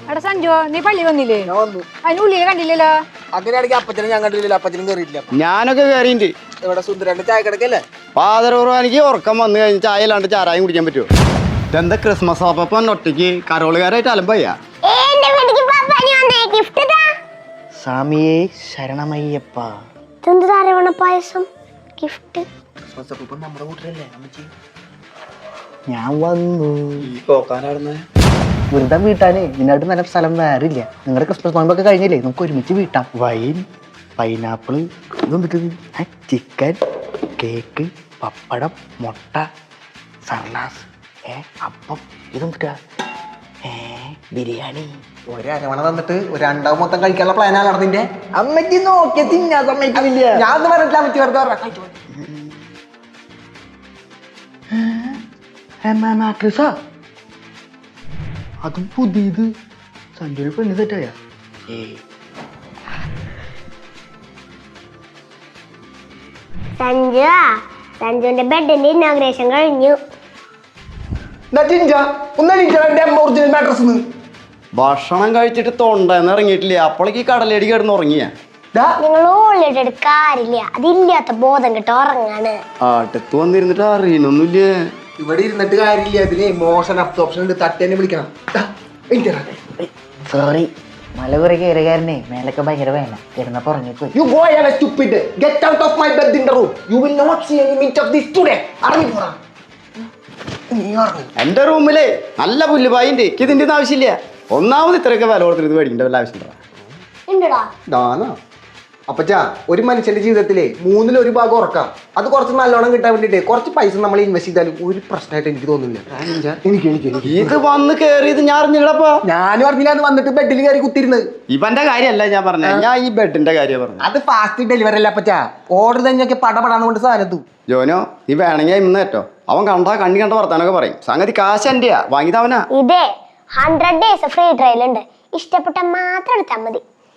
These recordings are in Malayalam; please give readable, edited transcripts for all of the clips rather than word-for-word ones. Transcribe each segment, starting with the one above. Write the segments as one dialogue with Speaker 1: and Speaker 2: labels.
Speaker 1: എടാ സഞ്ജു നീ പള്ളി വന്നില്ലേ? അതിന് ഉള്ളിയെ കണ്ടില്ലല്ലോ.
Speaker 2: അങ്ങനെയാണെങ്കിൽ അപ്പച്ചനും ഞാൻ കണ്ടില്ല, അപ്പച്ചനും കയറിയിട്ടില്ല.
Speaker 3: ഞാനൊക്കെ കയറിണ്ട്.
Speaker 2: ഇവിടെ സുന്ദരന്റെ ചായ കിടക്കല്ലേ?
Speaker 3: പാതരൂർവാനിക്ക് ഉറക്കം വന്നു കഴിഞ്ഞ് ചായ ഇല്ലാണ്ട് ചാരായം കുടിക്കാൻ പറ്റുമോ? ഇതെന്താ ക്രിസ്മസ് അപ്പം ഒറ്റയ്ക്ക് കരോളുകാരായിട്ട് അലമ്പയ്യ.
Speaker 4: സ്വാമിയേ ശരണമയ്യപ്പ.
Speaker 5: പായസം ഗിഫ്റ്റ്
Speaker 2: നമ്മുടെ കൂട്ടരല്ലേ അമ്മച്ചി?
Speaker 4: ഞാൻ വന്നു.
Speaker 3: ഈ പോക്കാനാടുന്നേ
Speaker 4: വെറുതെ വീട്ടാനേ ഇതിനായിട്ട് നല്ല സ്ഥലം വേറെ ഇല്ല. നിങ്ങളുടെ ക്രിസ്മസ് നോമ്പൊക്കെ കഴിഞ്ഞില്ലേ, നമുക്ക് ഒരുമിച്ച് വീട്ടാം. വൈൻ, പൈനാപ്പിള്, ഇതൊന്നിട്ട് ചിക്കൻ, കേക്ക്, പപ്പടം, മുട്ട, സർലാസ്, അപ്പം, ഇതൊന്നിട്ടാ ബിരിയാണി.
Speaker 2: ഒരമണ തന്നിട്ട് ഒരു രണ്ടാവും മൊത്തം കഴിക്കാനുള്ള പ്ലാനാണ് നടന്നിന്റെ.
Speaker 4: അമ്മയ്ക്ക് നോക്കിയ തിന്നാ സമ്മതിക്കില്ല.
Speaker 2: ഞാൻ ഒന്നും പറഞ്ഞിട്ടില്ല, അമ്മച്ചി വെറുതെ പറഞ്ഞ.
Speaker 4: അതും പുതിയത്. സഞ്ജുവിന് പെണ്ണ് തെറ്റായ
Speaker 5: സഞ്ജുവിന്റെ ബെഡിന്റെ ഇന്നോഗ്രേഷൻ കഴിഞ്ഞു.
Speaker 3: ഭക്ഷണം കഴിച്ചിട്ട് തൊണ്ടെന്ന് ഇറങ്ങിയിട്ടില്ല, അപ്പോഴേക്ക് ഈ കടലേടി കിടന്ന് ഉറങ്ങിയ.
Speaker 5: നിങ്ങൾ ഓൾറെഡി കാര്യമില്ല, അതില്ലാത്ത ബോധം കിട്ട ഉറങ്ങാണ്.
Speaker 3: അടുത്ത് വന്നിരുന്നിട്ട് അറിയണൊന്നുമില്ല.
Speaker 2: ഇവിടെ ഇരുന്നിട്ട് കാര്യമില്ല, അതിന് മോഷൻ അബ്സോർപ്ഷൻ ഉണ്ട്, തട്ടേനെ വിളിക്കണം.
Speaker 4: സോറി, മല കുറെ കയറുകാരനെ മേലൊക്കെ ഭയങ്കര വേന കിടന്നപ്പോ ഉറങ്ങിപ്പോയി.
Speaker 2: You go and stupid. Get out of my bed in the room. You will not see any meat of this today. അറിഞ്ഞു.
Speaker 3: എന്റെ റൂമില് നല്ല പുല്ലുപായിണ്ട്, എനിക്ക് ഇതിന്റെ ഒന്നും ആവശ്യമില്ല. ഒന്നാമത് ഇത്രയൊക്കെ വില കൊടുത്തിട്ട് ഇത് മേടിക്കേണ്ട വല്ല ആവശ്യമുണ്ടോ?
Speaker 2: അപ്പച്ചാ, ഒരു മനുഷ്യന്റെ ജീവിതത്തിലെ 1/3 ഭാഗം ഉറക്കാം. അത് കുറച്ച് നല്ലോണം കിട്ടാൻ വേണ്ടിട്ട് കുറച്ച് പൈസ നമ്മൾ ഇൻവെസ്റ്റ് ചെയ്താലും ഒരു പ്രശ്നമായിട്ട് എനിക്ക് തോന്നുന്നില്ല.
Speaker 3: ഇത് വന്ന് കേറിയത് ഞാൻ അറിഞ്ഞില്ലപ്പാ.
Speaker 2: ഞാനും അറിഞ്ഞില്ല, അത് വന്നിട്ട് ബെഡിൽ കയറി കുത്തിരുന്നത്.
Speaker 3: ഇവന്റെ കാര്യമല്ല ഞാൻ പറഞ്ഞത്, ഞാൻ ഈ ബെഡിന്റെ കാര്യം പറഞ്ഞു.
Speaker 2: അത് ഫാസ്റ്റ് ഡെലിവറി അല്ല അപ്പച്ചാ, ഓർഡർ തന്നെയൊക്കെ പടപടാന്ന് കൊണ്ട് സാധനത്തു.
Speaker 3: ജോനോ, നീ വേണമെങ്കിൽ ഇന്ന് കേട്ടോ. അവൻ കണ്ണി കണ്ട വർത്താനൊക്കെ പറയും. സംഗതി കാശ് എന്റെയാ, വാങ്ങിയതവനാ.
Speaker 5: ഇതേ 100 days ഫ്രീ ട്രയൽ ഉണ്ട്, ഇഷ്ടപ്പെട്ട മാത്രം എടുത്താൽ മതി.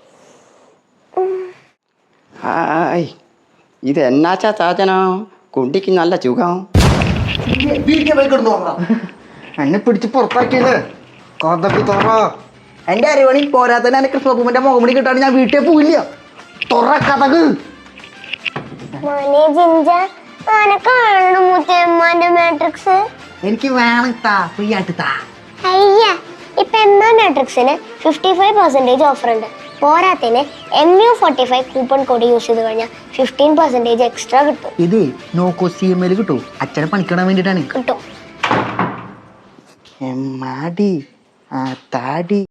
Speaker 3: ഇത് എന്നാച്ചാ ചാച്ചനോ, കുണ്ടിക്ക് നല്ല ചുഖം.
Speaker 4: എന്നെ പിടിച്ച് പുറത്താക്കിയല്ലേ കഥപ്പി തുറ.
Speaker 2: എന്റെ അറിവണി പോരാത്തന്നെ എന്റെ കൃഷ്ണപൂമിന്റെ മുഖമണി കിട്ടാണ് ഞാൻ വീട്ടിൽ പോയില്ല. തുറ കഥക്. എനിക്ക് വേണം, ഫ്രീ ആയിട്ട് താ.
Speaker 5: അയ്യ, ഇപ്പൊ മാട്രിക്സിന് 55% ഓഫർ ഉണ്ട്. പോരാത്തിന് MU45 കൂപ്പൺ കോഡ് യൂസ് ചെയ്ത് കഴിഞ്ഞാൽ 15% എക്സ്ട്രാ കിട്ടും.
Speaker 4: ഇത് നോക്കോ CML കിട്ടും. അച്ഛനെ പണിക്കിടാൻ വേണ്ടിട്ടാണ്.
Speaker 5: കിട്ടും.
Speaker 4: എമ്മാടി ആ താടി.